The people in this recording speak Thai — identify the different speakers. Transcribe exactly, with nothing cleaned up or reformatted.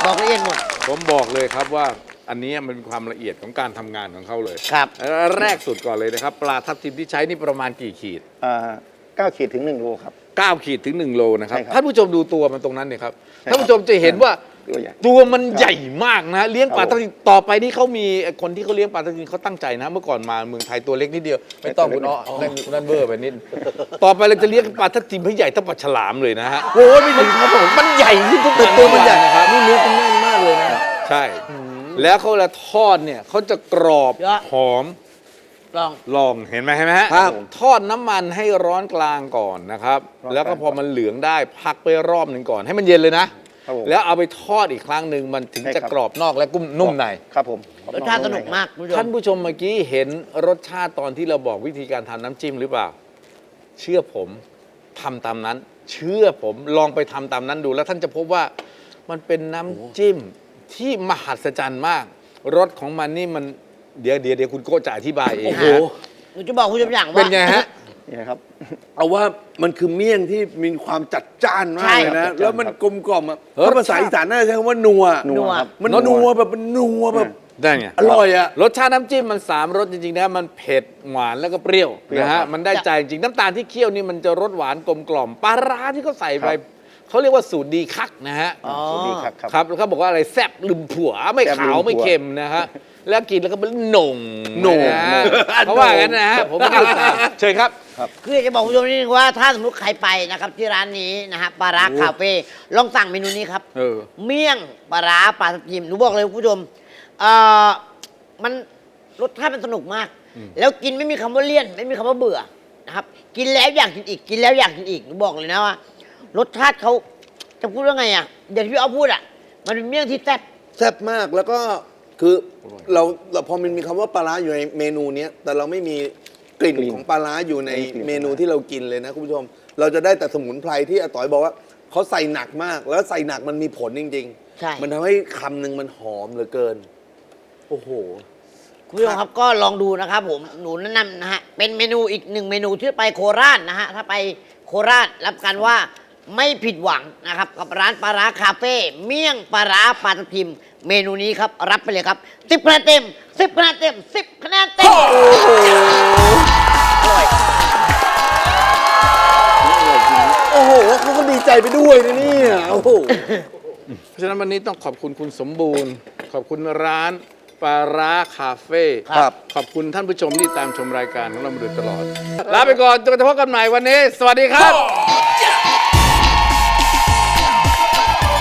Speaker 1: บอกละเอียดหมด
Speaker 2: ผมบอกเลยครับว่าอันนี้มันเป็นความละเอียดของการทำงานของเขาเลย
Speaker 1: ครับ
Speaker 2: แรกสุดก่อนเลยนะครับปลาทับทิมที่ใช้นี่ประมาณกี่ขีด
Speaker 3: เก้าขีดถึงหนึ่งโลครับ
Speaker 2: เก้าขีดถึงหนึ่งโลนะครับ
Speaker 3: ใช่ครับ
Speaker 2: ท่านผู้ชมดูตัวมันตรงนั้นเนี่ยครับท่านผู้ชมจะเห็นว่า
Speaker 3: ตัวใหญ่
Speaker 2: ตัวมันใหญ่มากนะเลี้ยงปลาทับทิมต่อไปนี่เขามีคนที่เขาเลี้ยงปลาทับทิมเขาตั้งใจนะเมื่อก่อนมาเมืองไทยตัวเล็กนิดเดียวไม่ต้องคุณอ้อนั่นนั่นเบอร์ไปนิดต่อไปเราจะเลี้ยงปลาทับทิมให้ใหญ่เท่าปลาฉลามเลยนะฮะโอ้ยไม่ถึงครับผมมันใหญ่ขึ้นทุกตัวมันใหญ่นะครับ
Speaker 3: นี่เนื้อเป็นแน่นมากเลยนะ
Speaker 2: ใช่แล้วเขาละทอดเนี่ยเขาจะกรอบหอม
Speaker 1: ลอง
Speaker 2: ลองเห็นไหมเห็นไหมฮะทอดน้ำมันให้ร้อนกลางก่อนนะครับแล้วก็พอมันเหลืองได้พักไปรอบหนึ่งก่อนให้มันเย็นเลยนะแล้วเอาไปทอดอีกครั้งหนึ่งมันถึงจะกรอบนอกและกุ้มนุ่มใน
Speaker 3: ครับผม
Speaker 1: รสชาติสนุกมาก
Speaker 2: ท่านผู้ชมเมื่อกี้เห็นรสชาติตอนที่เราบอกวิธีการทำน้ำจิ้มหรือเปล่าเชื่อผมทำตามนั้นเชื่อผมลองไปทำตามนั้นดูแล้วท่านจะพบว่ามันเป็นน้ำจิ้มที่มหัศจรรย์มากรสของมันนี่มันเดี๋ยวเดี๋ยวเดี๋ยวคุณโก้จะอธิบายเองโอ้โห
Speaker 1: หนูจะบอกคุณผู้ชมอย่างว่า
Speaker 2: เป็นไงฮะ
Speaker 3: นี่ครับ
Speaker 4: เอาว่ามันคือเมี่ยงที่มีความจัดจ้านมากเลยนะแล้วมันกลมกล่อมอ่ะถ้าภาษาอีสานน่าจะใช้คำว่านัว
Speaker 3: นัว
Speaker 4: มันนัวแบบมันนัวแบบ
Speaker 2: ได้ไง
Speaker 4: อร่อยอ่ะ
Speaker 2: รสชาติน้ำจิ้มมันสามรสจริงๆนะมันเผ็ดหวานแล้วก็เปรี้ยวนะฮะมันได้ใจจริงน้ำตาลที่เคี่ยวนี่มันจะรสหวานกลมกล่อมปลาร้าที่เขาใส่ไปเขาเรียกว่าสูตรดีคักนะฮะ
Speaker 3: สูตรดีคัก
Speaker 2: ครับเขาบอกว่าอะไรแซ่บลืมผัวไม่ขาวไม่เค็มนะฮะแล้วกินแล้วก็เป็นหน่ง
Speaker 4: หน่ง
Speaker 2: เขาว่ากันนะฮะผมไม่ได้ตามเชิญครับ
Speaker 1: คืออยากจะบอกคุณผู้ชมนิดนึงว่าถ้าสมมติใครไปนะครับที่ร้านนี้นะฮะปลาร้าคาเฟ่ลองสั่งเมนูนี้ครับเมี่ยงปลาร้าปลาทับทิมหนูบอกเลยคุณผู้ชมเอ่อมันรสชาติมันสนุกมากแล้วกินไม่มีคำว่าเลี่ยนไม่มีคำว่าเบื่อนะครับกินแล้วอยากกินอีกกินแล้วอยากกินอีกหนูบอกเลยนะว่ารสชาติเขาจะพูดว่าไงอ่ะอย่างที่พี่อ๊อฟพูดอ่ะมันเป็นเมี่ยงที่แซ่บ
Speaker 4: แซ่บมากแล้วก็คือเราเราพอมันมีคำว่าปลาร้าอยู่ในเมนูนี้แต่เราไม่มีกลิ่นของปลาร้าอยู่ในเมนูที่เรากินเลยนะคุณผู้ชมเราจะได้แต่สมุนไพรที่อาต๋อยบอกว่าเขาใส่หนักมากแล้วใส่หนักมันมีผลจริงๆใช่มันทำให้คำหนึ่งมันหอมเหลือเกินโอ้โห
Speaker 1: คุณผู้ชมครับก็ลองดูนะครับผมหนูแนะนำนะฮะเป็นเมนูอีกหนึ่งเมนูที่ไปโคราชนะฮะถ้าไปโคราชรับกันว่าไม่ผิดหวังนะครับกับร้านปลาร้าคาเฟ่เมี่ยงปลาร้าปลาทับทิมเมนูนี้ครับรับไปเลยครับสิบคะแนนเต็มสิบคะแนนเต็มสิบคะแนนเต็ม
Speaker 4: โอ้โหเขาก็ดีใจไปด้วยนะเนี่ยโอ้โห
Speaker 2: เพราะฉะนั้นวันนี้ต้องขอบคุณคุณสมบูรณ์ขอบคุณร้านปลาร้าคาเฟ่
Speaker 4: ครับ
Speaker 2: ขอบคุณท่านผู้ชมที่ตามชมรายการของเรามาโดยตลอดลาไปก่อนจนกระทั่งพบกันใหม่วันนี้สวัสดีครับ